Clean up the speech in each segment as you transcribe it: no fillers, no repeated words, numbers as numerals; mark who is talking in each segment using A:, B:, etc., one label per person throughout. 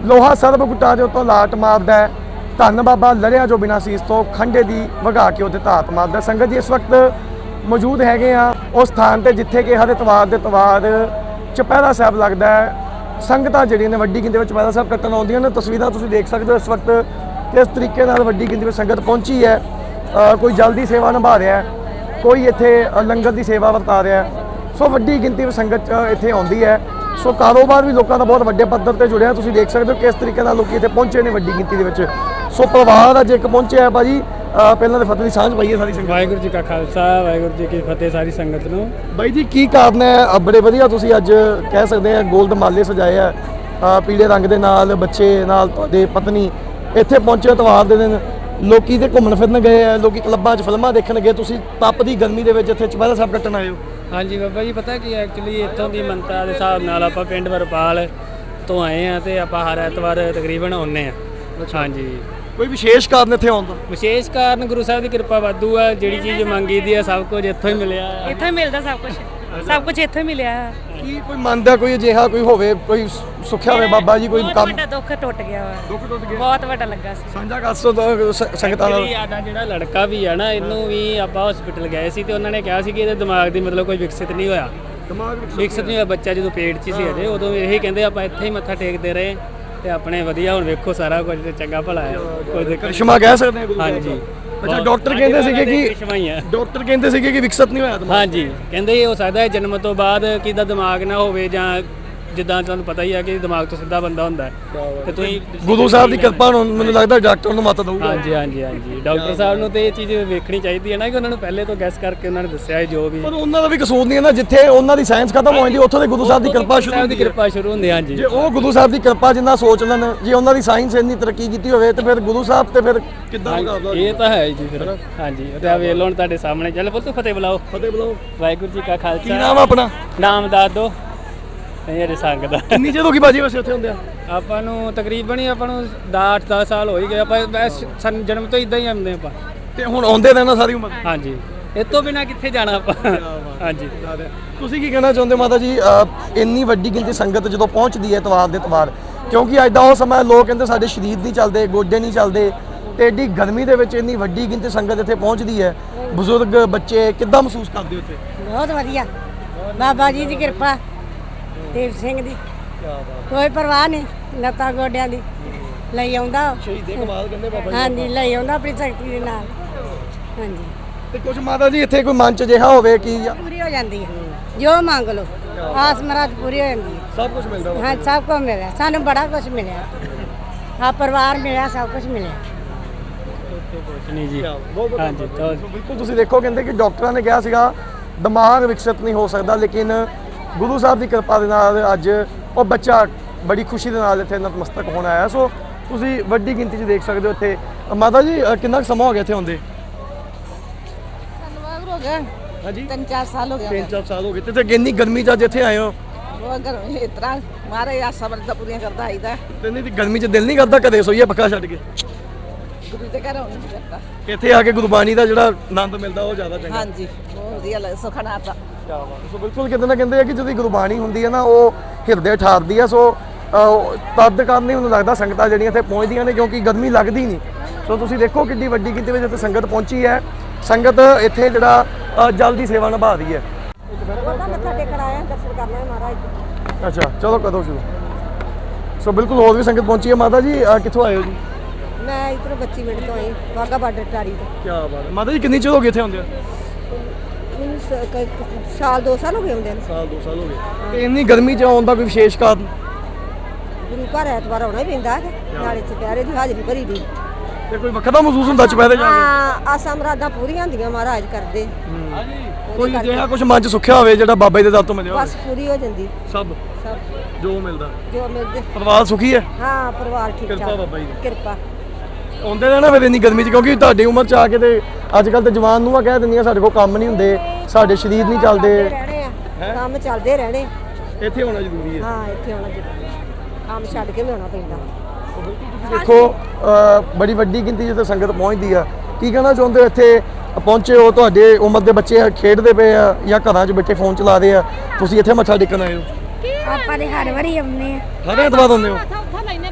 A: ਲੋਹਾ ਸਰਬ ਗੁੱਟਾਂ ਦੇ ਉੱਤੋਂ ਲਾਟ ਮਾਰਦਾ ਹੈ। ਧੰਨ ਬਾਬਾ ਲੜਿਆ ਜੋ ਬਿਨਾਂ ਸੀਸ ਤੋਂ ਖੰਡੇ ਦੀ ਵਗਾ ਕੇ ਉਹਦੇ ਧਾਤ ਮਾਰਦਾ। ਸੰਗਤ ਜੀ ਇਸ ਵਕਤ ਮੌਜੂਦ ਹੈਗੇ ਆ ਉਸ ਸਥਾਨ ਤੇ ਜਿੱਥੇ ਕਿ ਹਰ ਇਤਵਾਰ ਦੇ ਇਤਵਾਰ ਚੁਪਹਿਰਾ ਸਾਹਿਬ ਲੱਗਦਾ ਹੈ। ਸੰਗਤਾਂ ਜਿਹੜੀਆਂ ਨੇ ਵੱਡੀ ਗਿਣਤੀ ਵਿੱਚ ਚੁਪਹਿਰਾ ਸਾਹਿਬ ਕੱਟਣ ਆਉਂਦੀਆਂ ਨੇ। ਤਸਵੀਰਾਂ ਤੁਸੀਂ ਦੇਖ ਸਕਦੇ ਹੋ ਇਸ ਵਕਤ ਕਿਸ ਤਰੀਕੇ ਨਾਲ ਵੱਡੀ ਗਿਣਤੀ ਵਿੱਚ ਸੰਗਤ ਪਹੁੰਚੀ ਹੈ। ਕੋਈ ਜਲ ਦੀ ਸੇਵਾ ਨਿਭਾ ਰਿਹਾ, ਕੋਈ ਇੱਥੇ ਲੰਗਰ ਦੀ ਸੇਵਾ ਵਰਤਾ ਰਿਹਾ। ਸੋ ਵੱਡੀ ਗਿਣਤੀ ਵਿੱਚ ਸੰਗਤ ਇੱਥੇ ਆਉਂਦੀ ਹੈ। ਸੋ ਕਾਰੋਬਾਰ ਵੀ ਲੋਕਾਂ ਦਾ ਬਹੁਤ ਵੱਡੇ ਪੱਧਰ ਤੇ ਜੁੜਿਆ। ਤੁਸੀਂ ਦੇਖ ਸਕਦੇ ਹੋ ਕਿਸ ਤਰੀਕੇ ਨਾਲ ਲੋਕੀ ਇੱਥੇ ਪਹੁੰਚੇ ਨੇ ਵੱਡੀ ਗਿਣਤੀ ਦੇ ਵਿੱਚ। ਸੋ ਪਰਿਵਾਰ ਅੱਜ ਇੱਕ ਪਹੁੰਚਿਆ ਭਾਜੀ। ਪਹਿਲਾਂ ਤਾਂ ਫਤਿਹ ਦੀ ਸਾਂਝ ਪਾਈਏ ਸਾਰੀ ਸੰਗਤ।
B: ਵਾਹਿਗੁਰੂ ਜੀ ਕਾ ਖਾਲਸਾ ਵਾਹਿਗੁਰੂ ਜੀ ਕੀ ਫਤਿਹ ਸਾਰੀ ਸੰਗਤ ਨੂੰ।
A: ਬਾਈ ਜੀ ਕੀ ਕਾਰਨ ਹੈ? ਬੜੇ ਵਧੀਆ ਤੁਸੀਂ ਅੱਜ ਕਹਿ ਸਕਦੇ ਆ ਗੋਲਡ ਮਾਲੇ ਸਜਾਏ ਆ ਪੀਲੇ ਰੰਗ ਦੇ ਨਾਲ, ਬੱਚੇ ਨਾਲ, ਤੁਹਾਡੇ ਪਤਨੀ ਇੱਥੇ ਪਹੁੰਚੇ ਇਤਵਾਰ ਦੇ ਦਿਨ। ਲੋਕੀ ਤੇ ਘੁੰਮਣ ਫਿਰਨ ਗਏ ਆ, ਲੋਕੀ ਕਲੱਬਾਂ 'ਚ ਫਿਲਮਾਂ ਦੇਖਣ ਗਏ। ਤੁਸੀਂ ਤਪਦੀ ਗਰਮੀ ਦੇ ਵਿੱਚ ਇੱਥੇ ਚੁਪਹਿਰਾ ਸਾਹਿਬ ਕੱਟਣ ਆਏ ਹੋ।
B: ਹਾਂਜੀ ਬਾਬਾ ਜੀ, ਪਤਾ ਕੀ ਐਕਚੁਅਲੀ ਇੱਥੋਂ ਦੀ ਮੰਨਤਾ ਦੇ ਹਿਸਾਬ ਨਾਲ ਆਪਾਂ ਪਿੰਡ ਵਰਪਾਲ ਤੋਂ ਆਏ ਆ ਤੇ ਆਪਾਂ ਹਰ ਐਤਵਾਰ ਤਕਰੀਬਨ ਆਉਂਦੇ ਆ। ਹਾਂਜੀ,
A: ਕੋਈ ਵਿਸ਼ੇਸ਼ ਕਾਰਨ ਇੱਥੇ ਆਉਣ ਦਾ?
B: ਵਿਸ਼ੇਸ਼ ਕਾਰਨ ਗੁਰੂ ਸਾਹਿਬ ਦੀ ਕਿਰਪਾ ਵਾਧੂ ਆ। ਜਿਹੜੀ ਚੀਜ਼ ਮੰਗੀ ਦੀ ਆ ਸਭ ਕੁਝ ਇੱਥੋਂ ਹੀ ਮਿਲਿਆ।
C: ਇੱਥੋਂ ਹੀ ਮਿਲਦਾ ਸਭ ਕੁਝ, ਸਭ ਕੁਝ ਇੱਥੋਂ ਹੀ ਮਿਲਿਆ।
A: ਕੀ ਕੋਈ ਮੰਨਦਾ ਕੋਈ ਅਜਿਹਾ ਕੋਈ ਹੋਵੇ, ਕੋਈ ਸੁੱਖਿਆ ਹੋਵੇ ਬਾਬਾ ਜੀ, ਕੋਈ
C: ਬਹੁਤ
A: ਕੰਮ?
C: ਵੱਡਾ ਦੁੱਖ ਟੁੱਟ ਗਿਆ ਵਾ,
A: ਦੁੱਖ ਟੁੱਟ ਗਿਆ,
C: ਬਹੁਤ ਵੱਡਾ ਲੱਗਾ ਸੀ।
A: ਸਾਂਝਾ ਕਰ ਸੋ ਸੰਗਤਾਂ ਨਾਲ।
B: ਸਾਡਾ ਜਿਹੜਾ ਲੜਕਾ ਵੀ ਆ ਨਾ, ਇਹਨੂੰ ਵੀ ਆਪਾਂ ਹਸਪੀਟਲ ਗਏ ਸੀ ਤੇ ਉਹਨਾਂ ਨੇ ਕਿਹਾ ਸੀ ਕਿ ਇਹਦੇ ਦਿਮਾਗ ਦੀ ਮਤਲਬ ਕੋਈ ਵਿਕਸਿਤ ਨਹੀਂ ਹੋਇਆ।
A: ਦਿਮਾਗ
B: ਵਿਕਸਿਤ ਨਹੀਂ ਹੋਇਆ ਬੱਚਾ, ਜਦੋਂ ਪੇਟ 'ਚ ਸੀ ਅਜੇ, ਉਦੋਂ ਇਹੀ ਕਹਿੰਦੇ ਆਪਾਂ ਇੱਥੇ ਹੀ ਮੱਥਾ ਟੇਕਦੇ ਰਹੇ ਤੇ ਆਪਣੇ ਵਧੀਆ। ਹੁਣ ਵੇਖੋ ਸਾਰਾ ਕੁਝ ਤੇ ਚੰਗਾ ਭਲਾ ਆ, ਕੋਈ ਦਿੱਕਤ।
A: ਕਰਿਸ਼ਮਾ ਕਹਿ ਸਕਦੇ ਆ ਗੁਰੂ ਸਾਹਿਬ ਦਾ।
B: ਹਾਂਜੀ।
A: ਅੱਛਾ, ਡਾਕਟਰ ਕਹਿੰਦੇ ਸੀਗੇ ਕਿ
B: ਕਰਿਸ਼ਮਾ ਹੀ ਆ।
A: ਡਾਕਟਰ ਕਹਿੰਦੇ ਸੀਗੇ ਕਿ ਵਿਕਸਿਤ ਨਹੀਂ ਹੋਇਆ ਦਿਮਾਗ।
B: ਹਾਂਜੀ, ਕਹਿੰਦੇ ਇਹ ਹੋ ਸਕਦਾ ਹੈ ਜਨਮ ਤੋਂ ਬਾਅਦ ਕਿਦਾ ਦਿਮਾਗ ਨਾ ਹੋਵੇ, ਜਾਂ ਜਿੱਦਾਂ ਤੁਹਾਨੂੰ ਪਤਾ ਹੀ ਆ ਕਿ ਦਿਮਾਗ ਤੋਂ ਸਿੱਧਾ ਬੰਦਾ ਹੁੰਦਾ ਤੇ ਤੁਸੀਂ
A: ਗੁਰੂ ਸਾਹਿਬ ਦੀ ਕਿਰਪਾ ਨੂੰ ਮੈਨੂੰ ਲੱਗਦਾ ਡਾਕਟਰ ਨੂੰ ਮਤ ਦਊਗਾ।
B: ਹਾਂਜੀ ਹਾਂਜੀ ਹਾਂਜੀ, ਡਾਕਟਰ ਸਾਹਿਬ ਨੂੰ ਤੇ ਇਹ ਚੀਜ਼ ਵੇਖਣੀ ਚਾਹੀਦੀ ਹੈ ਨਾ ਕਿ ਉਹਨਾਂ ਨੂੰ ਪਹਿਲੇ ਤੋਂ ਗੈਸ ਕਰਕੇ ਉਹਨਾਂ ਨੇ ਦੱਸਿਆ ਹੈ ਜੋ ਵੀ।
A: ਪਰ ਉਹਨਾਂ ਦਾ ਵੀ ਕਸੂਰ ਨਹੀਂ ਹੈ ਨਾ, ਜਿੱਥੇ ਉਹਨਾਂ ਦੀ ਸਾਇੰਸ ਖਤਮ ਹੋ ਜਾਂਦੀ ਉੱਥੋਂ ਦੇ ਗੁਰੂ ਸਾਹਿਬ ਦੀ ਕਿਰਪਾ ਸ਼ੁਰੂ ਹੁੰਦੀ ਹੈ।
B: ਕਿਰਪਾ ਸ਼ੁਰੂ ਹੁੰਦੀ। ਹਾਂਜੀ,
A: ਜੇ ਉਹ ਗੁਰੂ ਸਾਹਿਬ ਦੀ ਕਿਰਪਾ ਜਿੰਨਾ ਸੋਚ ਲੈਣ, ਜੇ ਉਹਨਾਂ ਦੀ ਸਾਇੰਸ ਇੰਨੀ ਤਰੱਕੀ ਕੀਤੀ ਹੋਵੇ ਤੇ ਫਿਰ ਗੁਰੂ ਸਾਹਿਬ ਤੇ ਫਿਰ ਕਿੱਦਾਂ ਮੁਕਾਬਲਾ?
B: ਇਹ ਤਾਂ ਹੈ ਜੀ ਫਿਰ। ਹਾਂਜੀ, ਤੇ ਆ ਵੇਖ ਲਓ ਹੁਣ ਤੁਹਾਡੇ ਸਾਹਮਣੇ। ਚੱਲ ਪੁੱਤ ਫਤਿਹ ਬੁਲਾਓ।
A: ਫਤਿਹ ਬੁਲਾਓ।
B: ਵਾਹਿਗੁਰੂ ਜੀ ਕਾ
A: ਕੀ
B: ਖਾਲਸਾ।
A: ਨਾਮ ਆਪਣਾ?
B: ਨਾਮ ਦੱਸ ਦਿਓ। ਨਹੀਂ ਅਜੇ ਸੰਗ ਦਾ।
A: ਕਿੰਨੀ ਚਿਰ ਹੋ ਗਈ ਬਾਜੀ ਵੈਸੇ ਉੱਥੇ ਹੁੰਦੇ ਆ?
B: ਆਪਾਂ ਨੂੰ ਤਕਰੀਬਨ ਹੀ ਆਪਾਂ ਨੂੰ 8-10 ਸਾਲ ਹੋ ਹੀ ਗਏ। ਆਪਾਂ ਜਨਮ ਤੋਂ ਇਦਾਂ ਹੀ ਆਉਂਦੇ ਆਪਾਂ।
A: ਤੇ ਹੁਣ ਆਉਂਦੇ ਰਹਿਣਾ ਸਾਰੀ ਉਮਰ?
B: ਹਾਂਜੀ, ਇਹ ਤੋਂ ਬਿਨਾ ਕਿੱਥੇ ਜਾਣਾ ਆਪਾਂ। ਹਾਂਜੀ,
A: ਤੁਸੀਂ ਕੀ ਕਹਿਣਾ ਚਾਹੁੰਦੇ ਮਾਤਾ ਜੀ? ਇੰਨੀ ਵੱਡੀ ਗਿਣਤੀ ਸੰਗਤ ਜਦੋਂ ਪਹੁੰਚਦੀ ਹੈ ਇਤਵਾਰ ਦੇ ਇਤਵਾਰ, ਕਿਉਂਕਿ ਅੱਜ ਦਾ ਉਹ ਸਮਾਂ ਲੋਕ ਕਹਿੰਦੇ ਸਾਡੇ ਸਰੀਰ ਨਹੀਂ ਚੱਲਦੇ, ਗੋਡੇ ਨਹੀਂ ਚੱਲਦੇ, ਤੇ ਐਡੀ ਗਰਮੀ ਦੇ ਵਿੱਚ ਇੰਨੀ ਵੱਡੀ ਗਿਣਤੀ ਸੰਗਤ ਇੱਥੇ ਪਹੁੰਚਦੀ ਹੈ, ਬਜ਼ੁਰਗ ਬੱਚੇ ਕਿੱਦਾਂ ਮਹਿਸੂਸ ਕਰਦੇ ਹੋ ਇੱਥੇ?
C: ਬਹੁਤ ਵਧੀਆ, ਬਾਬਾ ਜੀ ਦੀ ਕਿਰਪਾ, ਦੇਵ ਸਿੰਘ ਦੀ ਕੋਈ ਪਰਵਾਹ ਨਹੀਂ, ਲੱਤਾਂ ਗੋਡਿਆਂ ਦੀ ਲਈ ਆਉਂਦਾ।
A: ਸ਼ਹੀਦੇ ਕਮਾਲ ਕਹਿੰਦੇ ਬਾਬਾ ਜੀ।
C: ਹਾਂਜੀ, ਲਈ ਆਉਂਦਾ ਆਪਣੀ ਸ਼ਕਤੀ ਦੇ ਨਾਲ। ਹਾਂਜੀ,
A: ਤੇ ਕੁਝ ਮਾਤਾ ਜੀ ਇੱਥੇ ਕੋਈ ਮਨ ਚ ਅਜਿਹਾ ਹੋਵੇ ਕਿ
C: ਪੂਰੀ ਹੋ ਜਾਂਦੀ ਹੈ, ਜੋ ਮੰਗ ਲਓ ਆਸ ਮਰਾਦ ਪੂਰੀ ਹੋ ਜਾਂਦੀ ਹੈ।
A: ਸਭ ਕੁਝ ਮਿਲਦਾ ਵਾ?
C: ਹਾਂ, ਸਭ ਕੁਝ ਮਿਲਿਆ ਸਾਨੂੰ, ਬੜਾ ਕੁਝ ਮਿਲਿਆ। ਆ ਪਰਿਵਾਰ ਮਿਲਿਆ, ਸਭ ਕੁਝ ਮਿਲਿਆ।
B: ਕੁਛ ਨਹੀਂ ਜੀ। ਹਾਂਜੀ, ਤਾਂ
A: ਬਿਲਕੁਲ ਤੁਸੀਂ ਦੇਖੋ, ਕਹਿੰਦੇ ਕਿ ਡਾਕਟਰਾਂ ਨੇ ਕਿਹਾ ਸੀਗਾ ਦਿਮਾਗ ਵਿਕਸਿਤ ਨਹੀਂ ਹੋ ਸਕਦਾ, ਲੇਕਿਨ ਗੁਰੂ ਸਾਹਿਬ ਦੀ ਕਿਰਪਾ ਦੇ ਨਾਲ ਅੱਜ ਉਹ ਬੱਚਾ ਬੜੀ ਖੁਸ਼ੀ ਦੇ ਨਾਲ ਇੱਥੇ ਨਤਮਸਤਕ ਹੋਣ ਆਇਆ। ਸੋ ਤੁਸੀਂ ਵੱਡੀ ਗਿਣਤੀ 'ਚ ਦੇਖ ਸਕਦੇ ਹੋ ਇੱਥੇ। ਮਾਤਾ ਜੀ ਕਿੰਨਾ ਕੁ ਸਮਾਂ ਹੋ ਗਿਆ ਇੱਥੇ ਆਉਂਦੇ?
D: ਸਾਨੂੰ ਹੋ ਗਿਆ
A: ਹਾਂਜੀ,
D: 3-4 ਸਾਲ ਹੋ ਗਿਆ।
A: 3-4 ਸਾਲ ਹੋ ਗਏ। ਤੇ ਇੰਨੀ ਗਰਮੀ 'ਚ ਅੱਜ ਇੱਥੇ ਆਏ ਹੋ?
D: ਉਹ ਅਗਰ ਇਸ ਤਰ੍ਹਾਂ ਮਾਰੇ ਆਸਾਂ ਮਰਦਾ ਪੂਰੀਆਂ ਕਰਦਾ ਆਈਦਾ।
A: ਤੇ ਨਹੀਂ ਗਰਮੀ 'ਚ ਦਿਲ ਨਹੀਂ ਕਰਦਾ ਕਦੇ ਸੋਈਏ ਪੱਖਾ ਛੱਡ ਕੇ?
D: ਗੁਰੂ ਦੇ ਘਰ ਆਉਣ ਨੂੰ ਕਰਦਾ।
A: ਇੱਥੇ ਆ ਕੇ ਗੁਰਬਾਣੀ ਦਾ ਜਿਹੜਾ ਆਨੰਦ ਮਿਲਦਾ ਉਹ ਜ਼ਿਆਦਾ ਚੰਗਾ।
D: ਹਾਂਜੀ, ਬਹੁਤ ਵਧੀਆ ਲੱਗਦਾ, ਸੁਖਣਾ ਤਾਂ।
A: ਸੋ ਬਿਲਕੁਲ ਕਿਤੇ ਨਾ ਕਹਿੰਦੇ ਆ ਕਿ ਜਦੋਂ ਗੁਰਬਾਣੀ ਹੁੰਦੀ ਹੈ ਨਾ ਉਹ ਹਿਰਦੇ ਠਾਰਦੀ ਆ। ਸੋ ਤਦ ਕਾਰਨ ਹੀ ਮੈਨੂੰ ਲੱਗਦਾ ਸੰਗਤਾਂ ਜਿਹੜੀਆਂ ਇੱਥੇ ਪਹੁੰਚਦੀਆਂ ਨੇ, ਕਿਉਂਕਿ ਗਰਮੀ ਲੱਗਦੀ ਨਹੀਂ। ਸੋ ਤੁਸੀਂ ਦੇਖੋ ਕਿੰਨੀ ਵੱਡੀ ਗਿਣਤੀ ਵਿੱਚ ਇੱਥੇ ਸੰਗਤ ਪਹੁੰਚੀ ਹੈ। ਸੰਗਤ ਇੱਥੇ ਜਿਹੜਾ ਜਲ ਦੀ ਸੇਵਾ ਨਿਭਾ ਰਹੀ ਹੈ।
C: ਉਹਦਾ ਮੱਥਾ ਟੇਕਣ ਆਇਆ, ਦਰਸ਼ਨ ਕਰਨਾ ਹੈ ਮਹਾਰਾਜ।
A: ਅੱਛਾ, ਚਲੋ ਕਦੋਂ ਸ਼ੁਰੂ? ਸੋ ਬਿਲਕੁਲ ਹੋਰ ਵੀ ਸੰਗਤ ਪਹੁੰਚੀ ਹੈ। ਮਾਤਾ ਜੀ ਕਿੱਥੋਂ ਆਏ ਹੋ ਜੀ?
C: ਮੈਂ ਇੱਧਰੋਂ 25 ਮਿੰਟ ਤੋਂ ਆਈ, ਵਾਹਗਾ ਬਾਰਡਰ ਟਾਰੀ ਤੋਂ।
A: ਕੀ ਬਾਤ ਹੈ। ਮਾਤਾ ਜੀ ਕਿੰਨੀ ਚਿਰ ਹੋ ਗਈ ਇੱਥੇ ਆਉਂਦੇ ਆ?
C: ਮੈਨੂੰ ਸਾਲ 2 ਸਾਲ ਹੋ ਗਏ ਹੁੰਦੇ ਨੇ।
A: ਸਾਲ 2 ਸਾਲ ਹੋ ਗਏ। ਤੇ ਇੰਨੀ ਗਰਮੀ 'ਚ ਆਉਣ ਦਾ ਕੋਈ ਵਿਸ਼ੇਸ਼ ਕਾਰਨ?
C: ਗੁਰੂ ਘਰ ਐਤਵਾਰ ਆਉਣਾ ਹੀ ਪੈਂਦਾ ਹੈ, ਨਾਲੇ ਚੁਪਹਿਰੇ ਦੀ ਹਾਜ਼ਰੀ ਭਰੀ ਦੀ।
A: ਤੇ ਕੋਈ ਵੱਖਰਾ ਮਹਿਸੂਸ ਹੁੰਦਾ ਚੁਪਹਿਰੇ ਜਾ ਕੇ?
C: ਹਾਂ, ਆਸਾਂ ਮਰਾਦਾਂ ਪੂਰੀਆਂ ਹੁੰਦੀਆਂ ਮਹਾਰਾਜ ਕਰਦੇ।
A: ਕੋਈ ਜਿਹੜਾ ਕੁਝ ਮਨ 'ਚ ਸੁੱਖਿਆ ਹੋਵੇ ਜਿਹੜਾ ਬਾਬਾ ਜੀ ਦੇ ਦਰ ਤੋਂ ਮਿਲਿਆ
C: ਬਸ
A: ਹੋਵੇ?
C: ਪੂਰੀ ਹੋ ਜਾਂਦੀ
A: ਸਭ
C: ਸਭ
A: ਜੋ ਮਿਲਦਾ
C: ਜੋ ਮਿਲਦੇ।
A: ਪਰਿਵਾਰ ਸੁਖੀ ਹੈ?
C: ਹਾਂ, ਪਰਿਵਾਰ ਠੀਕ ਠਾਕ।
A: ਕਿਰਪਾ ਬਾਬਾ ਜੀ ਦੀ।
C: ਕਿਰਪਾ।
A: ਆਉਂਦੇ ਰਹਿਣਾ ਫਿਰ ਇੰਨੀ ਗਰਮੀ 'ਚ, ਕਿਉਂਕਿ ਤੁਹਾਡੀ ਉਮਰ 'ਚ ਆ ਕੇ ਤੇ ਅੱਜ ਕੱਲ ਤੇ ਜਵਾਨ ਨੂੰ ਕਹਿ ਦਿੰਦੀਆਂ ਸਾਡੇ ਕੋਲ ਕੰਮ ਨਹੀਂ ਹੁੰਦੇ, ਸਾਡੇ ਸਰੀਰ ਨਹੀਂ ਚੱਲਦੇ।
C: ਰਹਿਣੇ ਆ, ਕੰਮ ਚੱਲਦੇ ਰਹਿਣੇ।
A: ਇੱਥੇ ਹੋਣਾ ਜ਼ਰੂਰੀ ਹੈ।
C: ਹਾਂ, ਇੱਥੇ ਆਉਣਾ ਜ਼ਰੂਰੀ, ਕੰਮ ਛੱਡ ਕੇ ਵੀ ਆਉਣਾ ਪੈਂਦਾ।
A: ਦੇਖੋ ਬੜੀ ਵੱਡੀ ਗਿਣਤੀ ਜਿੱਥੇ ਸੰਗਤ ਪਹੁੰਚਦੀ ਆ। ਕੀ ਕਹਿਣਾ ਚਾਹੁੰਦੇ ਹੋ? ਇੱਥੇ ਪਹੁੰਚੇ ਹੋ, ਤੁਹਾਡੇ ਉਮਰ ਦੇ ਬੱਚੇ ਖੇਡਦੇ ਪਏ ਆ ਜਾਂ ਘਰਾਂ 'ਚ ਬੈਠੇ ਫੋਨ ਚਲਾ ਰਹੇ ਆ, ਤੁਸੀਂ ਇੱਥੇ ਮੱਥਾ ਟੇਕਣ ਆਏ ਹੋ?
C: ਆਪਾਂ ਦੇ ਹਰ ਵਾਰੀ ਆਉਂਦੇ ਆ।
A: ਹਰ ਐਤਵਾਰ ਆਉਂਦੇ ਹੋ?
D: ਉੱਥਾ ਲੈਨੇ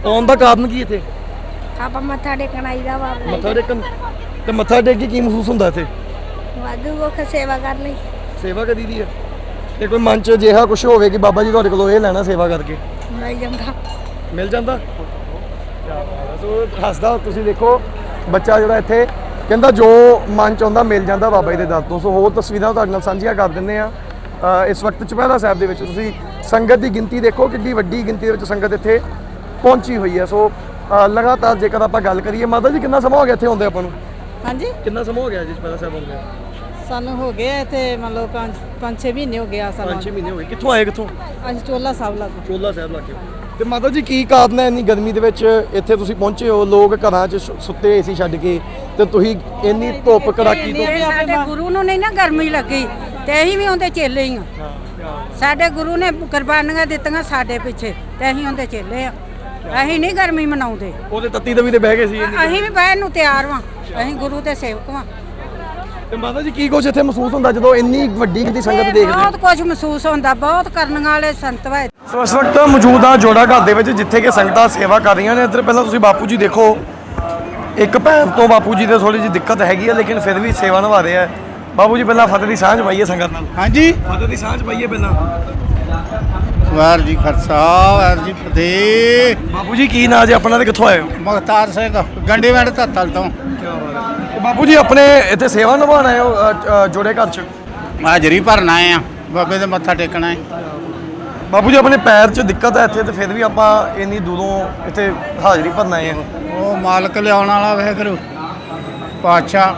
A: ਆਉਣ ਦਾ ਕਾਰਨ ਕੀ ਇੱਥੇ?
E: ਆਪਾਂ ਮੱਥਾ ਟੇਕਣ ਆਈਦਾ ਵਾ
A: ਮੱਥਾ ਟੇਕਣ। ਤੇ ਮੱਥਾ ਟੇਕ ਕੇ ਕੀ ਮਹਿਸੂਸ ਹੁੰਦਾ ਇੱਥੇ?
E: ਵਾਧੂ ਕੋ ਸੇਵਾ ਕਰ ਲਈ
A: ਸੇਵਾ ਕਰੀ ਦੀ ਹੈ। ਤੇ ਕੋਈ ਮਨ 'ਚ ਅਜਿਹਾ ਕੁਝ ਹੋਵੇ ਕਿ ਬਾਬਾ ਜੀ ਤੁਹਾਡੇ ਕੋਲੋਂ ਇਹ ਲੈਣਾ ਸੇਵਾ ਕਰਕੇ,
E: ਮਿਲ ਜਾਂਦਾ।
A: ਮਿਲ ਜਾਂਦਾ? ਸੋ ਹੱਸਦਾ ਤੁਸੀਂ ਦੇਖੋ ਬੱਚਾ ਜਿਹੜਾ ਇੱਥੇ ਕਹਿੰਦਾ ਜੋ ਮਨ 'ਚ ਆਉਂਦਾ ਮਿਲ ਜਾਂਦਾ ਬਾਬਾ ਜੀ ਦੇ ਦਰ ਤੋਂ। ਸੋ ਹੋਰ ਤਸਵੀਰਾਂ ਤੁਹਾਡੇ ਨਾਲ ਸਾਂਝੀਆਂ ਕਰ ਦਿੰਦੇ ਆ। ਇਸ ਵਕਤ ਚੁਪਹਿਰਾ ਸਾਹਿਬ ਦੇ ਵਿੱਚ ਤੁਸੀਂ ਸੰਗਤ ਦੀ ਗਿਣਤੀ ਦੇਖੋ, ਕਿੰਨੀ ਵੱਡੀ ਗਿਣਤੀ ਦੇ ਵਿੱਚ ਸੰਗਤ ਇੱਥੇ ਪਹੁੰਚੀ ਹੋਈ ਹੈ। ਸੋ ਲਗਾਤਾਰ ਜੇਕਰ ਆਪਾਂ ਗੱਲ ਕਰੀਏ, ਮਾਤਾ ਜੀ ਕਿੰਨਾ ਸਮਾਂ ਹੋ ਗਿਆ ਇੱਥੇ ਆਉਂਦੇ ਆਪਾਂ ਨੂੰ?
F: ਹਾਂਜੀ,
A: ਕਿੰਨਾ ਸਮਾਂ ਹੋ ਗਿਆ ਜੀ ਚੁਪਹਿਰਾ ਸਾਹਿਬ ਆਉਂਦੇ?
F: ਸਾਨੂੰ ਹੋ ਗਏ ਇੱਥੇ ਮੰਨ ਲਓ 5-6 ਮਹੀਨੇ ਹੋ ਗਏ ਆ ਸਾਨੂੰ।
A: 5-6 ਮਹੀਨੇ ਹੋ ਗਏ। ਕਿੱਥੋਂ ਆਏ? ਕਿੱਥੋਂ?
F: ਅਸੀਂ ਚੋਲਾ ਸਾਹਿਬ ਲੱਗੋ।
A: ਚੋਲਾ ਸਾਹਿਬ ਲੱਗੇ। ਤੇ ਮਾਤਾ ਜੀ ਕੀ ਕਾਰਨ ਹੈ ਇੰਨੀ ਗਰਮੀ ਦੇ ਵਿੱਚ ਇੱਥੇ ਤੁਸੀਂ ਪਹੁੰਚੇ ਹੋ? ਲੋਕ ਘਰਾਂ 'ਚ ਸੁੱਤੇ ਏਸੀ ਛੱਡ ਕੇ ਤੇ ਤੁਸੀਂ ਇੰਨੀ ਧੁੱਪ ਕੜਾਕੀ ਤੋਂ।
C: ਸਾਡੇ ਗੁਰੂ ਨੂੰ ਨਹੀਂ ਨਾ ਗਰਮੀ ਲੱਗੀ ਤੇ ਅਸੀਂ ਵੀ ਉਹਦੇ ਚੇਲੇ ਹੀ ਆ। ਸਾਡੇ ਗੁਰੂ ਨੇ ਕੁਰਬਾਨੀਆਂ ਦਿੱਤੀਆਂ ਸਾਡੇ ਪਿੱਛੇ ਤੇ ਅਸੀਂ ਉਹਦੇ ਚੇਲੇ ਆ। ਅਸੀਂ ਨਹੀਂ ਗਰਮੀ ਮਨਾਉਂਦੇ।
A: ਉਹਦੇ ਤੱਤੀ ਤਵੀ ਤੇ ਬਹਿ ਗਏ ਸੀ।
C: ਅਸੀਂ ਵੀ ਬਹਿਣ ਨੂੰ ਤਿਆਰ ਵਾਂ। ਅਸੀਂ ਗੁਰੂ ਦੇ ਸੇਵਕ ਵਾਂ।
A: ਤੇ ਮਾਤਾ ਜੀ ਕੀ ਕੁਝ ਇੱਥੇ ਮਹਿਸੂਸ ਹੁੰਦਾ ਜਦੋਂ ਇੰਨੀ ਵੱਡੀ ਗਿਣਤੀ ਸੰਗਤ ਦੇਖਦੇ?
C: ਬਹੁਤ ਕੁਝ ਮਹਿਸੂਸ ਹੁੰਦਾ। ਬਹੁਤ ਕਰਨ ਵਾਲੇ ਸੰਤ ਵਾ।
A: ਸੋ ਇਸ ਵਕਤ ਮੌਜੂਦ ਆ ਜੋੜਾ ਘਰ ਦੇ ਵਿੱਚ ਜਿੱਥੇ ਕਿ ਸੰਗਤਾਂ ਸੇਵਾ ਕਰ ਰਹੀਆਂ ਨੇ। ਇੱਧਰ ਪਹਿਲਾਂ ਤੁਸੀਂ ਬਾਪੂ ਜੀ ਦੇਖੋ, ਇੱਕ ਭੈਣ ਤੋਂ ਬਾਪੂ ਜੀ ਦੇ ਥੋੜੀ ਜਿਹੀ ਦਿੱਕਤ ਹੈਗੀ ਹੈ ਲੇਕਿਨ ਫਿਰ ਵੀ ਸੇਵਾ ਨਿਭਾ ਰਹੇ ਆ। ਬਾਪੂ ਜੀ ਪਹਿਲਾਂ ਫਤਿਹ ਦੀ ਸਾਂਝ ਪਾਈਏ ਸੰਗਤ ਨਾਲ।
G: ਹਾਂਜੀ,
A: ਫਤਿਹ ਦੀ ਸਾਂਝ ਪਾਈਏ ਪਹਿਲਾਂ।
G: ਵਾਹਿਗੁਰੂ ਜੀ ਖਾਲਸਾ ਵਾਹਿਗੁਰੂ ਜੀ ਫਤਿਹ।
A: ਬਾਪੂ ਜੀ ਕੀ ਨਾਂ ਜੀ ਆਪਣਾ ਤੇ ਕਿੱਥੋਂ ਆਏ ਹੋ?
G: ਮੁਖਤਾਰ ਸਿੰਘ ਗੰਡੀਵਿੰਡ ਧੱਤਲ ਤੋਂ।
A: ਤੇ ਬਾਪੂ ਜੀ ਆਪਣੇ ਇੱਥੇ ਸੇਵਾ ਨਿਭਾਉਣ ਆਏ ਹੋ ਜੋੜੇ ਘਰ 'ਚ?
G: ਹਾਜ਼ਰੀ ਭਰਨ ਆਏ ਆ, ਬਾਬੇ ਦੇ ਮੱਥਾ ਟੇਕਣਾ ਹੈ।
A: ਬਾਪੂ ਜੀ ਆਪਣੇ ਪੈਰ 'ਚ ਦਿੱਕਤ ਹੈ ਇੱਥੇ ਤੇ ਫਿਰ ਵੀ ਆਪਾਂ ਇੰਨੀ ਦੂਰੋਂ ਇੱਥੇ ਹਾਜ਼ਰੀ ਭਰਨ ਆਏ ਆ।
G: ਉਹ ਮਾਲਕ ਲਿਆਉਣ ਵਾਲਾ ਵਾਹਿਗੁਰੂ ਪਾਤਸ਼ਾਹ।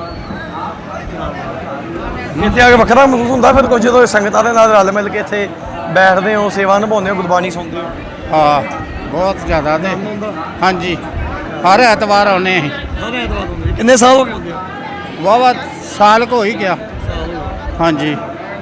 A: ਇੱਥੇ ਆ ਕੇ ਵੱਖਰਾ ਮਹਿਸੂਸ ਹੁੰਦਾ ਫਿਰ ਕੁਝ ਜਦੋਂ ਸੰਗਤਾਂ ਦੇ ਨਾਲ ਰਲ ਮਿਲ ਕੇ ਇੱਥੇ ਬੈਠਦੇ ਹੋ, ਸੇਵਾ ਨਿਭਾਉਂਦੇ ਹੋ, ਗੁਰਬਾਣੀ ਸੁਣਦੇ ਹੋ?
G: ਹਾਂ, ਬਹੁਤ ਜ਼ਿਆਦਾ ਨੇ। ਹਾਂਜੀ, ਹਰ ਐਤਵਾਰ ਆਉਂਦੇ ਅਸੀਂ।
A: ਹਰ ਐਤਵਾਰ ਹੁੰਦੇ? ਕਿੰਨੇ ਸਾਲ ਹੋ ਗਏ ਹੁੰਦੇ?
G: ਵਾਹਵਾ ਸਾਲ ਕੁ ਹੋ ਹੀ ਗਿਆ। ਹਾਂਜੀ,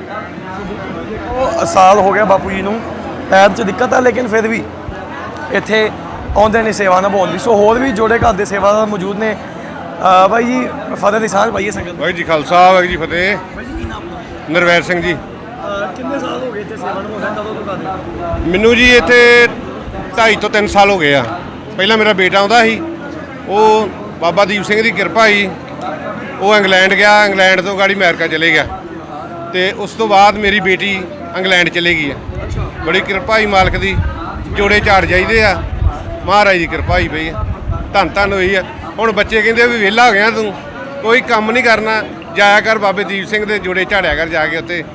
A: ਉਹ ਸਾਲ ਹੋ ਗਿਆ ਬਾਪੂ ਜੀ ਨੂੰ, ਪੈਰ 'ਚ ਦਿੱਕਤ ਹੈ ਲੇਕਿਨ ਫਿਰ ਵੀ ਇੱਥੇ ਆਉਂਦੇ ਨੇ ਸੇਵਾ ਨਿਭਾਉਣ ਲਈ। ਸੋ ਹੋਰ ਵੀ ਜੋੜੇ ਘਰ ਦੇ ਸੇਵਾਦਾਰ ਮੌਜੂਦ ਨੇ। ਬਾਈ ਜੀ ਫਤਿਹ ਦੀ ਸਾਂਝ ਪਾਈਏ ਸੰਗਤ।
H: ਵਾਹਿਗੁਰੂ ਜੀ ਖਾਲਸਾ ਵਾਹਿਗੁਰੂ ਜੀ ਫਤਿਹ।
A: ਬਾਈ ਜੀ ਕੀ ਨਾਮ ਹੈ?
H: ਨਰਵੈਰ ਸਿੰਘ ਜੀ।
A: ਕਿੰਨੇ ਸਾਲ ਹੋ ਗਏ ਇੱਥੇ ਸੇਵਾ ਨਿਭਾਉਂਦੇ? ਕਦੋਂ ਤੋਂ ਕਰਦੇ?
H: ਮੈਨੂੰ ਜੀ ਇੱਥੇ 2.5 ਤੋਂ 3 ਸਾਲ ਹੋ ਗਏ ਆ। ਪਹਿਲਾਂ ਮੇਰਾ ਬੇਟਾ ਆਉਂਦਾ ਸੀ, ਉਹ ਬਾਬਾ ਦੀਪ ਸਿੰਘ ਦੀ ਕਿਰਪਾ ਸੀ, ਉਹ ਇੰਗਲੈਂਡ ਗਿਆ, ਇੰਗਲੈਂਡ ਤੋਂ ਗਾੜੀ ਅਮਰੀਕਾ ਚਲੇ ਗਿਆ ਤੇ ਉਸ ਤੋਂ ਬਾਅਦ ਮੇਰੀ ਬੇਟੀ ਇੰਗਲੈਂਡ ਚਲੇ ਗਈ ਆ। ਬੜੀ ਕਿਰਪਾ ਹੀ ਮਾਲਕ ਦੀ, ਜੋੜੇ ਝਾੜ ਜਾਈਦੇ ਆ, ਮਹਾਰਾਜ ਦੀ ਕਿਰਪਾ ਹੀ ਪਈ ਆ, ਧੰਨ ਧੰਨ ਹੋਈ ਆ। ਹੁਣ ਬੱਚੇ ਕਹਿੰਦੇ ਵੀ ਵਿਹਲਾ ਹੋ ਗਿਆ ਤੂੰ, ਕੋਈ ਕੰਮ ਨਹੀਂ ਕਰਨਾ, ਜਾਇਆ ਕਰ ਬਾਬੇ ਦੀਪ ਸਿੰਘ ਦੇ ਜੋੜੇ ਝਾੜਿਆ ਕਰ ਜਾ ਕੇ ਉੱਤੇ।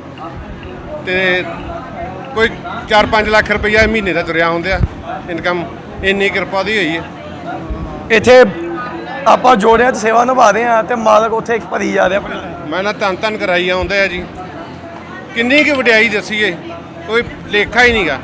H: ਤੇ ਕੋਈ 4-5 ਲੱਖ ਰੁਪਈਆ ਮਹੀਨੇ ਦਾ ਤੁਰਿਆ ਹੁੰਦੇ ਆ ਇਨਕਮ, ਇੰਨੀ ਕਿਰਪਾ ਦੀ ਹੋਈ ਹੈ।
A: ਇੱਥੇ ਆਪਾਂ ਜੋੜਿਆਂ 'ਚ ਸੇਵਾ ਨਿਭਾ ਰਹੇ ਆ ਤੇ ਮਾਲਕ ਉੱਥੇ ਇੱਕ ਭਰੀ ਜਾ ਰਿਹਾ।
H: ਮੈਂ ਨਾ ਧੰਨ ਧੰਨ ਕਰਾਈ ਆਉਂਦੇ ਆ ਜੀ। ਕਿੰਨੀ ਕੁ ਵਡਿਆਈ ਦੱਸੀਏ, ਕੋਈ ਲੇਖਾ ਹੀ ਨਹੀਂਗਾ।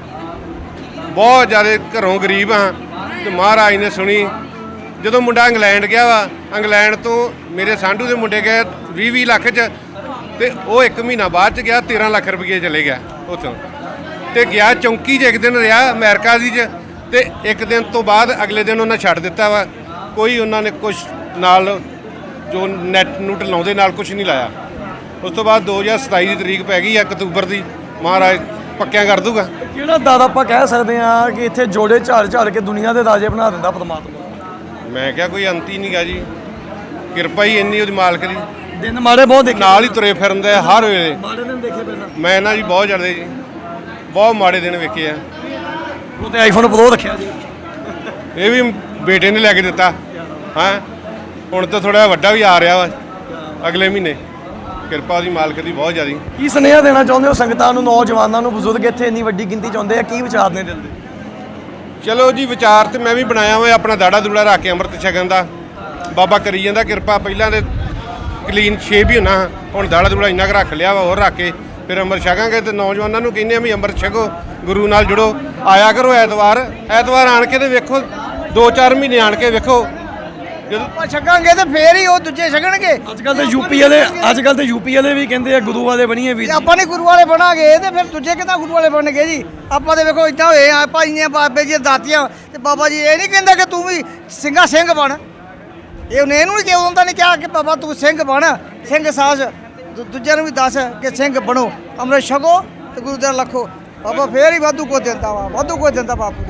H: ਬਹੁਤ ਜ਼ਿਆਦਾ ਘਰੋਂ ਗਰੀਬ ਹਾਂ ਤੇ ਮਹਾਰਾਜ ਨੇ ਸੁਣੀ। ਜਦੋਂ ਮੁੰਡਾ ਇੰਗਲੈਂਡ ਗਿਆ ਵਾ, ਇੰਗਲੈਂਡ ਤੋਂ ਮੇਰੇ ਸਾਂਢੂ ਦੇ ਮੁੰਡੇ ਗਏ 20-20 ਲੱਖ 'ਚ ਤੇ ਉਹ 1 ਮਹੀਨਾ ਬਾਅਦ 'ਚ ਗਿਆ 13 ਲੱਖ ਰੁਪਏ ਚਲੇ ਗਿਆ ਉੱਥੋਂ। ਤੇ ਗਿਆ ਚੌਂਕੀ 'ਚ ਇੱਕ ਦਿਨ ਰਿਹਾ ਅਮਰੀਕਾ ਦੀ 'ਚ, ਤੇ ਇੱਕ ਦਿਨ ਤੋਂ ਬਾਅਦ ਅਗਲੇ ਦਿਨ ਉਹਨਾਂ ਛੱਡ ਦਿੱਤਾ ਵਾ। ਕੋਈ ਉਹਨਾਂ ਨੇ ਕੁਛ ਨਾਲ ਜੋ ਨੈਟ ਨੂਟ ਲਾਉਂਦੇ ਨਾਲ ਕੁਛ ਨਹੀਂ ਲਾਇਆ। ਉਸ ਤੋਂ ਬਾਅਦ 2027 ਦੀ ਤਰੀਕ ਪੈ ਗਈ ਆ ਅਕਤੂਬਰ ਦੀ, ਮਹਾਰਾਜ ਪੱਕਿਆਂ ਕਰ ਦੂਗਾ।
A: ਕਿਹੜਾ ਦਰ ਆਪਾਂ ਕਹਿ ਸਕਦੇ ਆ ਕਿ ਇੱਥੇ ਜੋੜੇ ਝਾੜ ਝਾੜ ਕੇ ਦੁਨੀਆ ਦੇ ਰਾਜੇ ਬਣਾ ਦਿੰਦਾ ਪਰਮਾਤਮਾ?
H: ਮੈਂ ਕਿਹਾ ਕੋਈ ਅੰਤ ਹੀ ਨਹੀਂਗਾ ਜੀ, ਕਿਰਪਾ ਹੀ ਇੰਨੀ ਉਹਦੀ ਮਾਲਕ ਦੀ।
A: ਦਿਨ ਮਾੜੇ ਬਹੁਤ ਦੇਖੇ,
H: ਨਾਲ ਹੀ ਤੁਰੇ ਫਿਰਦੇ ਆ ਹਰ ਵੇਲੇ।
A: ਮਾੜੇ ਦਿਨ ਦੇਖੇ ਪਹਿਲਾਂ?
H: ਮੈਂ ਨਾ ਜੀ ਬਹੁਤ ਜ਼ਿਆਦਾ ਜੀ, ਬਹੁਤ ਮਾੜੇ ਦਿਨ ਵੇਖੇ ਆ।
A: ਉਹ ਤੇ ਆਈਫੋਨ ਪ੍ਰੋ ਰੱਖਿਆ ਜੀ।
H: ਇਹ ਵੀ ਬੇਟੇ ਨੇ ਲੈ ਕੇ ਦਿੱਤਾ। ਹਾਂ, ਹੁਣ ਤਾਂ ਥੋੜਾ ਵੱਡਾ ਵੀ ਆ ਰਿਹਾ ਵਾ ਅਗਲੇ ਮਹੀਨੇ। ਕਿਰਪਾ ਉਹਦੀ ਮਾਲਕ ਦੀ ਬਹੁਤ ਜ਼ਿਆਦਾ।
A: ਕੀ ਸੁਨੇਹਾ ਦੇਣਾ ਚਾਹੁੰਦੇ ਹੋ ਸੰਗਤਾਂ ਨੂੰ, ਨੌਜਵਾਨਾਂ ਨੂੰ, ਬਜ਼ੁਰਗ ਇੱਥੇ ਇੰਨੀ ਵੱਡੀ ਗਿਣਤੀ 'ਚ ਆਉਂਦੇ ਆ, ਕੀ ਵਿਚਾਰ ਨੇ ਦਿਲ ਦੇ?
H: ਚਲੋ ਜੀ, ਵਿਚਾਰ ਤੇ ਮੈਂ ਵੀ ਬਣਾਇਆ ਹੋਇਆ ਆਪਣਾ ਦਾੜਾ ਦੂੜਾ ਰੱਖ ਕੇ ਅੰਮ੍ਰਿਤ ਛਕਣ ਦਾ। ਬਾਬਾ ਕਰੀ ਜਾਂਦਾ ਕਿਰਪਾ। ਪਹਿਲਾਂ ਤੇ ਕਲੀਨ ਸ਼ੇਪ ਹੀ ਹੋਣਾ, ਹੁਣ ਦਾੜਾ ਦੂੜਾ ਇੰਨਾ ਕੁ ਰੱਖ ਲਿਆ ਵਾ, ਹੋਰ ਰੱਖ ਕੇ ਫਿਰ ਅੰਮ੍ਰਿਤ ਛਕਾਂਗੇ। ਤੇ ਨੌਜਵਾਨਾਂ ਨੂੰ ਕਹਿੰਦੇ ਆ ਵੀ ਅੰਮ੍ਰਿਤ ਛਕੋ, ਗੁਰੂ ਨਾਲ ਜੁੜੋ, ਆਇਆ ਕਰੋ ਐਤਵਾਰ ਆਣ ਕੇ ਤੇ ਵੇਖੋ, 2-4 ਮਹੀਨੇ ਆਣ ਕੇ ਵੇਖੋ। ਜਦੋਂ
I: ਆਪਾਂ ਛਕਾਂਗੇ ਤੇ ਫੇਰ ਹੀ ਉਹ ਦੂਜੇ ਛਕਣਗੇ।
A: ਅੱਜ ਕੱਲ ਤੇ ਯੂਪੀ ਵਾਲੇ ਵੀ ਕਹਿੰਦੇ ਆ ਗੁਰੂ ਵਾਲੇ ਬਣੀਏ ਵੀ।
I: ਜੇ ਆਪਾਂ ਨੇ ਗੁਰੂ ਵਾਲੇ ਬਣਾਂਗੇ ਤੇ ਫਿਰ ਦੂਜੇ ਕਿੱਦਾਂ ਗੁਰੂ ਵਾਲੇ ਬਣਨਗੇ ਜੀ? ਆਪਾਂ ਤੇ ਵੇਖੋ ਇਦਾਂ ਹੋਏ ਆ ਭਾਈਆਂ ਬਾਬੇ ਜੀ ਦਾਤੀਆਂ, ਤੇ ਬਾਬਾ ਜੀ ਇਹ ਨਹੀਂ ਕਹਿੰਦਾ ਕਿ ਤੂੰ ਵੀ ਸਿੰਘ ਬਣ। ਇਹਨੂੰ ਨਹੀਂ ਕਿਹਾ, ਉਹਨਾਂ ਨੇ ਕਿਹਾ ਕਿ ਬਾਬਾ ਤੂੰ ਸਿੰਘ ਬਣ, ਸਿੰਘ ਸਾਜ ਦੂਜਿਆਂ ਨੂੰ ਵੀ ਦੱਸ ਕਿ ਸਿੰਘ ਬਣੋ, ਅੰਮ੍ਰਿਤ ਛਕੋ ਤੇ ਗੁਰੂ ਦਾ ਲੱਖੋ। ਬਾਬਾ ਫੇਰ ਹੀ ਵਾਧੂ ਕੋ ਦਿੰਦਾ ਵਾ, ਵਾਧੂ ਕੋ ਦਿੰਦਾ ਬਾਪੂ ਨੇ।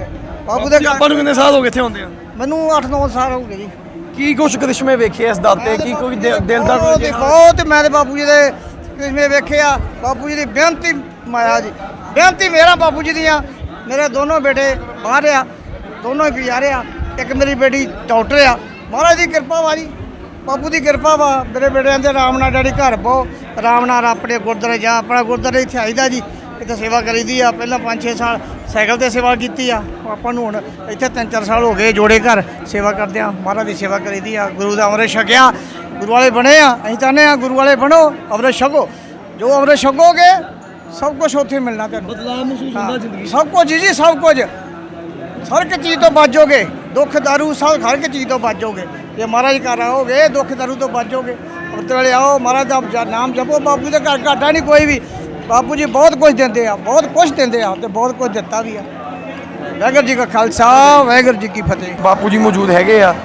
I: ਬਾਪੂ ਦੇ ਘਰ
A: ਆਪਾਂ ਨੂੰ ਕਿੰਨੇ ਸਾਲ ਹੋ ਗਏ ਇੱਥੇ ਆਉਂਦੇ ਆ?
I: ਮੈਨੂੰ 8-9 ਸਾਲ ਹੋ ਗਏ ਜੀ।
A: ਕੀ ਕੁਛ ਕ੍ਰਿਸ਼ਮੇ ਵੇਖੇ ਇਸ ਦਰ ਤੇ? ਕੀ ਕੋਈ ਦਿਲ ਦਾ
I: ਬਹੁਤ ਹੀ- ਬਹੁਤ ਮੈਂ ਤੇ ਬਾਪੂ ਜੀ ਦੇ ਕਿਸਮੇ ਵੇਖਿਆ। ਬਾਪੂ ਜੀ ਦੀ ਬੇਨਤੀ ਮਾਇਆ ਜੀ, ਬੇਨਤੀ ਮੇਰਾ ਬਾਪੂ ਜੀ ਦੀਆਂ। ਮੇਰੇ ਦੋਨੋਂ ਬੇਟੇ ਬਾਹਰ ਆ, ਦੋਨੋਂ ਹੀ ਗੁਜ਼ਾਰੇ ਆ। ਇੱਕ ਮੇਰੀ ਬੇਟੀ ਡਾਕਟਰ ਆ। ਮਹਾਰਾਜ ਦੀ ਕਿਰਪਾ ਵਾ ਜੀ, ਬਾਪੂ ਦੀ ਕਿਰਪਾ ਵਾ। ਮੇਰੇ ਬੇਟੇ ਕਹਿੰਦੇ ਆਰਾਮ ਨਾਲ ਡੈਡੀ ਘਰ ਬਹੁ, ਆਰਾਮ ਨਾਲ ਆਪਣੇ ਗੁਰਦੁਆਰੇ ਜਾ। ਆਪਣਾ ਗੁਰਦੁਆਰੇ ਇੱਥੇ ਆਈਦਾ ਜੀ, ਇੱਥੇ ਸੇਵਾ ਕਰੀਦੀ ਆ। ਪਹਿਲਾਂ 5-6 ਸਾਲ ਸਾਈਕਲ ਤੇ ਸੇਵਾ ਕੀਤੀ ਆ। ਆਪਾਂ ਨੂੰ ਹੁਣ ਇੱਥੇ 3-4 ਸਾਲ ਹੋ ਗਏ ਜੋੜੇ ਘਰ ਸੇਵਾ ਕਰਦੇ ਆ। ਮਹਾਰਾਜ ਦੀ ਸੇਵਾ ਕਰੀਦੀ ਆ। ਗੁਰੂ ਦਾ ਅੰਮ੍ਰਿਤ ਛਕਿਆ, ਗੁਰੂ ਵਾਲੇ ਬਣੇ ਆ। ਅਸੀਂ ਚਾਹੁੰਦੇ ਆ ਗੁਰੂ ਵਾਲੇ ਬਣੋ, ਅੰਮ੍ਰਿਤ ਛਕੋ। ਜੋ ਅੰਮ੍ਰਿਤ ਛਕੋਗੇ ਸਭ ਕੁਝ ਉੱਥੇ ਮਿਲਣਾ ਤੁਹਾਨੂੰ।
A: ਬਦਲਾਅ ਮਹਿਸੂਸ ਹੁੰਦਾ ਜ਼ਿੰਦਗੀ 'ਚ?
I: ਸਭ ਕੁਝ ਜੀ, ਸਭ ਕੁਝ। ਹਰ ਇੱਕ ਚੀਜ਼ ਤੋਂ ਬਚੋਗੇ, ਦੁੱਖ ਦਾਰੂ ਸਭ ਹਰ ਇੱਕ ਚੀਜ਼ ਤੋਂ ਬਚੋਗੇ। ਜੇ ਮਹਾਰਾਜ ਘਰ ਆਓਗੇ ਦੁੱਖ ਦਾਰੂ ਤੋਂ ਬਚੋਗੇ। ਉੱਤੇ ਵੇਲੇ ਆਓ, ਮਹਾਰਾਜ ਦਾ ਨਾਮ ਜਪੋ। ਬਾਪੂ ਦੇ ਘਰ ਘਾਟਾ ਨਹੀਂ ਕੋਈ ਵੀ। ਬਾਪੂ ਜੀ ਬਹੁਤ ਕੁਝ ਦਿੰਦੇ ਆ, ਬਹੁਤ ਕੁਝ ਦਿੰਦੇ ਆ ਤੇ ਬਹੁਤ ਕੁਝ ਦਿੱਤਾ ਵੀ ਆ। ਵਾਹਿਗੁਰੂ ਜੀ ਕਾ ਖਾਲਸਾ, ਵਾਹਿਗੁਰੂ ਜੀ ਕੀ ਫਤਿਹ।
A: ਬਾਪੂ ਜੀ ਮੌਜੂਦ ਹੈਗੇ ਆ।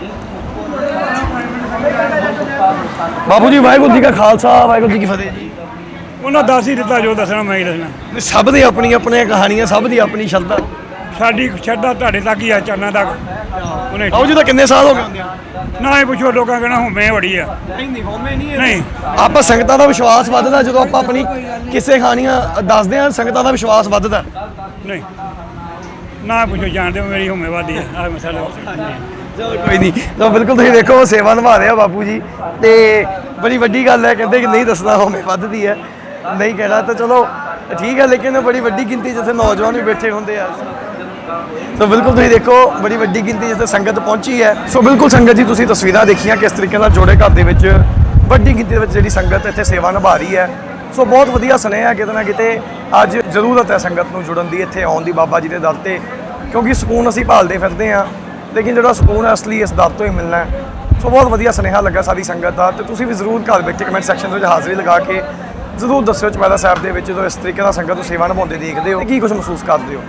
A: ਬਾਪੂ ਜੀ ਵਾਹਿਗੁਰੂ ਜੀ ਕਾ ਖਾਲਸਾ, ਵਾਹਿਗੁਰੂ ਜੀ ਕੀ ਫਤਿਹ ਜੀ।
J: ਉਹਨਾਂ ਦੱਸ ਹੀ ਦਿੱਤਾ ਜੋ ਦੱਸਣਾ ਮੈਂ ਹੀ ਦੱਸਣਾ।
A: ਸਭ ਦੀ ਆਪਣੀ ਆਪਣੀਆਂ ਕਹਾਣੀਆਂ, ਸਭ ਦੀ ਆਪਣੀ ਸ਼ਰਧਾ।
J: ਸਾਡੀ ਸ਼ਰਧਾ ਤੁਹਾਡੇ ਤੱਕ ਹੀ ਆ, ਚਰਨਾਂ ਤੱਕ। ਉਹਨੇ
A: ਬਾਪੂ ਜੀ ਤਾਂ ਕਿੰਨੇ ਸਾਲ ਹੋ ਗਏ ਹੁੰਦੇ ਆ?
J: ਨਾ ਹੀ ਪੁੱਛੋ, ਲੋਕਾਂ ਕਹਿਣਾ ਹੁਮੇ ਬੜੀ ਆ।
A: ਨਹੀਂ ਹੋਮੇ ਨਹੀਂ
J: ਨਹੀਂ,
A: ਆਪਾਂ ਸੰਗਤਾਂ ਦਾ ਵਿਸ਼ਵਾਸ ਵੱਧਦਾ ਜਦੋਂ ਆਪਾਂ ਆਪਣੀ ਕਿਸੇ ਕਹਾਣੀਆਂ ਦੱਸਦੇ ਆ। ਸੰਗਤਾਂ ਦਾ ਵਿਸ਼ਵਾਸ ਵੱਧਦਾ।
J: ਨਹੀਂ ਨਾ ਪੁੱਛੋ, ਜਾਣਦੇ ਹੋ ਮੇਰੀ ਹੁਮੇ ਵਾਦੀ ਆ। ਆਹ ਮਸਾਲਾ
A: ਚਲੋ ਕੋਈ ਨਹੀਂ। ਤਾਂ ਬਿਲਕੁਲ ਤੁਸੀਂ ਦੇਖੋ ਸੇਵਾ ਨਿਭਾ ਰਹੇ ਆ ਬਾਪੂ ਜੀ, ਤੇ ਬੜੀ ਵੱਡੀ ਗੱਲ ਹੈ। ਕਹਿੰਦੇ ਕਿ ਨਹੀਂ ਦੱਸਣਾ ਹੋਮੇ ਵੱਧਦੀ ਹੈ, ਨਹੀਂ ਕਹਿਣਾ ਤਾਂ ਚਲੋ ਠੀਕ ਹੈ, ਲੇਕਿਨ ਬੜੀ ਵੱਡੀ ਗਿਣਤੀ ਜਿੱਥੇ ਨੌਜਵਾਨ ਵੀ ਬੈਠੇ ਹੁੰਦੇ ਆ। ਸੋ ਬਿਲਕੁਲ ਤੁਸੀਂ ਦੇਖੋ ਬੜੀ ਵੱਡੀ ਗਿਣਤੀ ਜਿੱਥੇ ਸੰਗਤ ਪਹੁੰਚੀ ਹੈ। ਸੋ ਬਿਲਕੁਲ ਸੰਗਤ ਜੀ ਤੁਸੀਂ ਤਸਵੀਰਾਂ ਦੇਖੀਆਂ ਕਿਸ ਤਰੀਕੇ ਨਾਲ ਜੋੜੇ ਘਰ ਦੇ ਵਿੱਚ ਵੱਡੀ ਗਿਣਤੀ ਦੇ ਵਿੱਚ ਜਿਹੜੀ ਸੰਗਤ ਇੱਥੇ ਸੇਵਾ ਨਿਭਾ ਰਹੀ ਹੈ। ਸੋ ਬਹੁਤ ਵਧੀਆ ਸੁਨੇਹਾ ਕਿਤੇ ਨਾ ਕਿਤੇ ਅੱਜ ਜ਼ਰੂਰਤ ਹੈ ਸੰਗਤ ਨੂੰ ਜੁੜਨ ਦੀ, ਇੱਥੇ ਆਉਣ ਦੀ ਬਾਬਾ ਜੀ ਦੇ ਦਰ ਤੇ, ਕਿਉਂਕਿ ਸਕੂਨ ਅਸੀਂ ਭਾਲਦੇ ਫਿਰਦੇ ਹਾਂ, ਲੇਕਿਨ ਜਿਹੜਾ ਸਕੂਨ ਹੈ ਅਸਲੀ ਇਸ ਦਰ ਤੋਂ ਹੀ ਮਿਲਣਾ ਹੈ। ਸੋ ਬਹੁਤ ਵਧੀਆ ਸੁਨੇਹਾ ਲੱਗਾ ਸਾਰੀ ਸੰਗਤ ਦਾ, ਤੇ ਤੁਸੀਂ ਵੀ ਜ਼ਰੂਰ ਘਰ ਬੈਠੇ ਕਮੈਂਟ ਸੈਕਸ਼ਨ ਦੇ ਵਿੱਚ ਹਾਜ਼ਰੀ ਲਗਾ ਕੇ ਜ਼ਰੂਰ ਦੱਸਿਓ ਚੁਪਹਿਰਾ ਸਾਹਿਬ ਦੇ ਵਿੱਚ ਜਦੋਂ ਇਸ ਤਰੀਕੇ ਨਾਲ ਸੰਗਤ ਨੂੰ ਸੇਵਾ ਨਿਭਾਉਂਦੇ ਦੇਖਦੇ ਹੋ ਕੀ ਕੁਝ ਮਹਿਸੂਸ ਕਰਦੇ ਹੋ।